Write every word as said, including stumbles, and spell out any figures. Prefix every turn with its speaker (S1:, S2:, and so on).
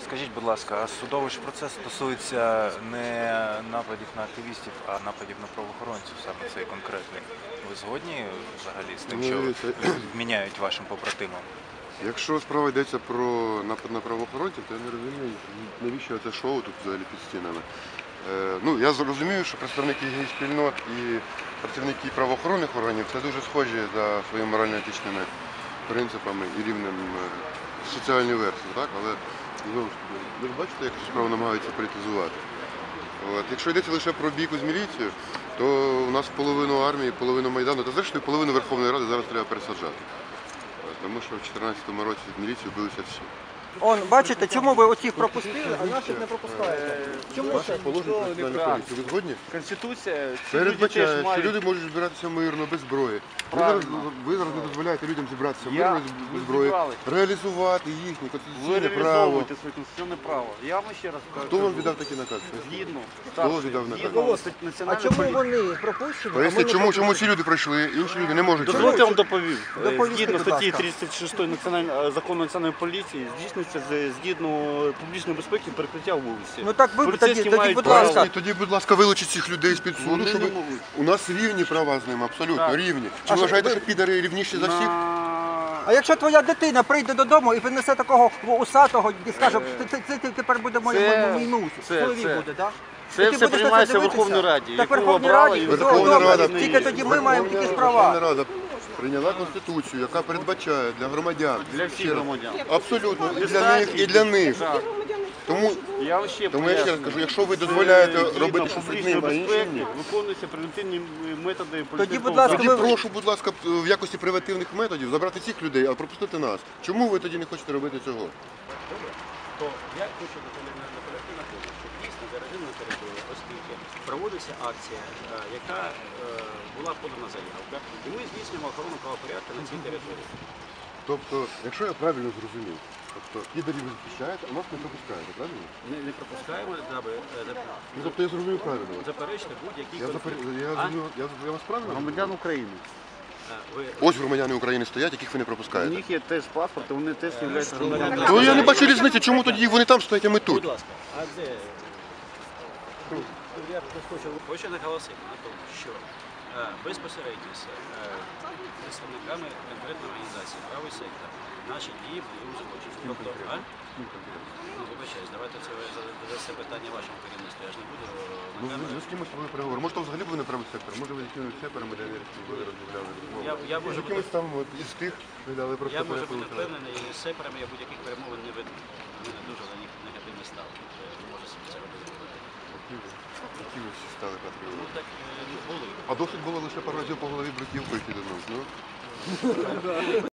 S1: Скажіть, будь ласка, а судовий ж процес стосується не нападів на активістів, а нападів на правоохоронців, саме цей конкретний. Ви згодні взагалі з тим, що міняють вашим побратимам?
S2: Якщо справа йдеться про напад на правоохоронців, то я не розумію, навіщо це шоу тут взагалі під стінами. Е, ну, я зрозумію, що представники гей-спільнот і працівники правоохоронних органів це дуже схожі за своїми морально-етичними принципами і рівнем соціальної версії, так? Але знову ж таки, ви ж бачите, як цю справу намагаються політизувати. От. Якщо йдеться лише про бійку з міліцією, то у нас половину армії, половину Майдану, та зрештою половину Верховної Ради зараз треба пересаджати. Тому що в дві тисячі чотирнадцятому році з міліцією билися всі.
S3: Он, бачите, чому ви оцих пропустили, а наших не пропускаєте? Чому
S2: Ваші
S3: це?
S2: положення про національну поліцію, ви згодні?
S4: Конституція
S2: Передбачає,
S4: мають...
S2: що люди можуть збиратися мирно, без зброї. Ви зараз, ви зараз не дозволяєте людям зібратися мирно, без, без зброї, реалізувати їхнє
S4: Ви
S2: конституційне право.
S4: реалізовуєте своє конституційне право. Я вам ще раз кажу.
S2: Хто вам віддав такий наказ?
S4: Згідно.
S2: Хто віддав наказ?
S3: А чому вони пропущені?
S2: Поясніть, чому, чому ці люди пройшли, інші люди не можуть?
S4: Дозвольте я вам доповім.
S3: Доповісти,
S4: Згідно
S3: будь
S4: статті
S3: ласка.
S4: тридцять шостої національної закону національної поліції здійснюється з- згідно публічної безпеки перекриття вулиці.
S3: Ну так ви тоді,
S4: Поліцейські
S3: тоді
S4: мають
S3: будь
S4: право-
S3: ласка.
S2: Поясніть, тоді, будь ласка, вилучіть цих людей з-під суду,
S4: Вони
S2: щоб
S4: не можуть.
S2: у нас рівні права з ними, абсолютно
S4: Так.
S2: рівні. Чи
S3: А
S2: ви
S3: що
S2: вважаєте,
S3: ви-
S2: що підари рівніші за всіх?
S4: На-
S3: А якщо твоя дитина прийде додому і принесе такого усатого і скаже, це, це, це тепер буде моє
S4: Це-
S3: мій мус,
S4: це-
S3: чоловік
S4: це-
S3: буде, так?
S4: Це все приймається в Верховній Раді.
S3: Так
S4: яку
S3: Верховній
S4: обрала
S3: Раді,
S4: і
S3: все
S2: Верховна
S3: добре,
S2: Рада-
S3: тільки тоді ми маємо якісь
S2: Верховна
S3: права.
S2: Рада прийняла Конституцію, яка передбачає для громадян.
S4: Для всіх
S2: Ще раз,
S4: громадян.
S2: Абсолютно, і для них, і для них.
S4: Так.
S2: Тому,
S4: Я вам ще
S2: тому я ще раз
S4: поясню.
S2: кажу, якщо ви дозволяєте
S4: Згідно
S2: робити щось з
S4: публічної
S2: ними, а інші
S4: безпеки
S2: ні.
S4: виконуються превентивні методи поліцейського
S3: будь ласка,
S2: Тоді
S3: ви-
S4: захисту.
S2: прошу, будь ласка, в якості превентивних методів забрати цих людей, а пропустити нас. Чому ви тоді не хочете робити цього?
S5: То я хочу наполягти на тому, що дійсно за режимною територією, оскільки проводиться акція, е, яка е, була подана заявка, і ми здійснюємо охорону правопорядку на цій території.
S2: Тобто, якщо я правильно зрозумів, тобто підарів ви захищаєте, а нас не пропускаєте, правильно?
S5: Ми не пропускаємо, даби е,
S2: Ну, тобто я зрозумів правильно.
S5: заперечити будь-які
S2: Я, запер...
S5: конфлікти.
S2: я,
S5: А?
S2: зрозумів- я, я вас правильно?
S4: Громадян України.
S5: Е, Ви
S2: Ось громадяни України стоять, яких ви не
S4: У
S2: пропускаєте.
S4: них є теж паспорт, і вони теж являються громадянами.
S2: То я не бачу різниці, чому тоді вони там стоять, а ми тут.
S5: Будь ласка, а де? Я хочу, хочу наголосити на тому, що е, безпосередньо з е, представниками конкретної організації правий сектор наші дії були узгоджені. Тобто, а? Ну, вибачаюсь, давайте це ви за це питання вашому керівництву. Я ж не буду
S2: Ну,
S5: на
S2: ви,
S5: камеру.
S2: ви з кимось вели переговори. Може, то взагалі був не правий сектор, може ви з якимось сеперами ви розмовляли.
S5: Я, я
S2: З
S5: можу бути,
S2: якимось там от, із тих, ви дали просто
S5: я можу бути
S2: перепрошую.
S5: впевнений, і з сеперами я будь-яких перемовин не веду. У мене дуже на них негативний ставлення. Я можу собі це робити.
S2: Які ви всі стали
S5: Ну
S2: патріоти?
S5: так е, були.
S2: А досить було лише пару разів по голові бруківкою кидануть, ну?